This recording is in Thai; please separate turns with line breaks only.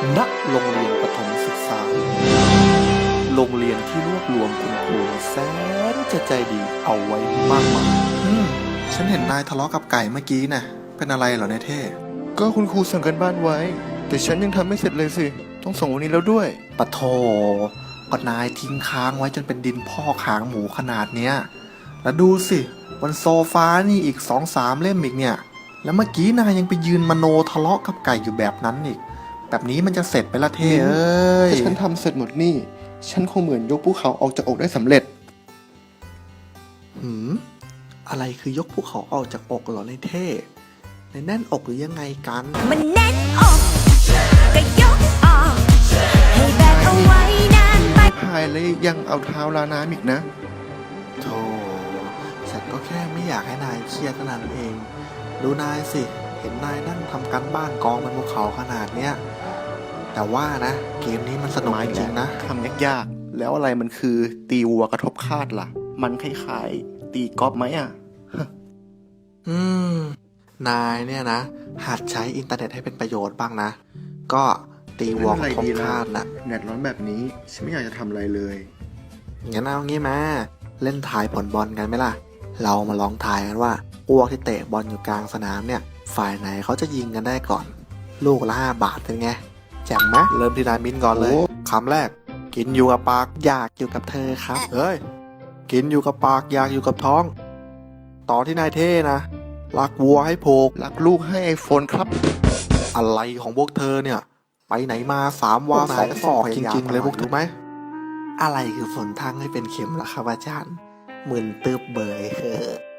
ณโรงเรียนประถมศึกษาโรงเรียนที่รวบรวมคุณครูแสนจะใจดีเอาไว้มากมายฉันเห็นนายทะเลาะกับไก่เมื่อกี้น่ะเป็นอะไรเหรอในเท่
ก็คุณครูสั่งกันบ้านไว้ แต่ฉันยังทำไม่เสร็จเลยสิ ต้องส่งวันนี้แล้วด้วย
ปะโถก็นายทิ้งค้างไว้จนเป็นดินพอกหางหมูขนาดเนี้ยแล้วดูสิบนโซฟานี่อีก2-3 เล่มอีกเนี่ยแล้วเมื่อกี้นายยังไปยืนมโนทะเลาะกับไก่อยู่แบบนั้นอีกแบบนี้มันจะเสร็จไปละเท่เอ้ย
ถ้าฉันทำเสร็จหมดนี่ ฉันคงเหมือนยกภูเขาออกจากอกได้สำเร็จ
อะไรคือยกภูเขาออกจากอกเหรอในเท่ในแน่นอกหรือยังไงกัน
มันแน่นอกก็ยกออกให้แบกเอาไว้นานไป
พายเลยยังเอาเท้าลาน้ำอีกนะ
โธ่ฉันก็แค่ไม่อยากให้นายเครียดเท่านั้นเอง ดูนายสิ เห็นนายนั่งทำการบ้านกองบนภูเขาขนาดเนี้ย แต่ว่านะเกมนี้มันสนุกจริงๆนะ
ทำยากๆ แล้วอะไรมันคือตีวัวกระทบคาดล่ะ มันคล้ายๆตีกอล์ฟไหมอ่ะ
อืม นายเนี่ยนะ หัดใช้อินเทอร์เน็ตให้เป็นประโยชน์บ้างนะ ก็ตีวอลทบคาดนะ
แดดร้อนแบบนี้ ฉันไม่อยากจะทำอะไรเลย
งั้นเอางี้มาเล่นทายผลบอลกันไหมล่ะ เรามาลองทายกันว่าอ้วกที่เตะบอลอยู่กลางสนามเนี่ย ฝ่ายไหนเขาจะยิงกันได้ก่อน ลูกละ5 บาทเป็นไงแจ่มไหมเริ่มที่นายมิ้นก่อนเลย
โอ้
คำแรก กินอยู่กับปากอยากอยู่กับเธอครับ เฮ้ย กินอยู่กับปากอยากอยู่กับท้อง ต่อที่นายเท่นะรักวัวให้ผูก
รักลูกให้ไอโฟนครับ
อะไรของพวกเธอเนี่ย ไปไหนมา3 วา
พวก
2
นายก็
ศอก
พ
จ
ยายาม
ริงๆเลย
ตลอด
พวกถูกไหม อะไรคือฝนทางให้เป็นเข็มล่ะครับอาจารย์หมื่นตึบเบย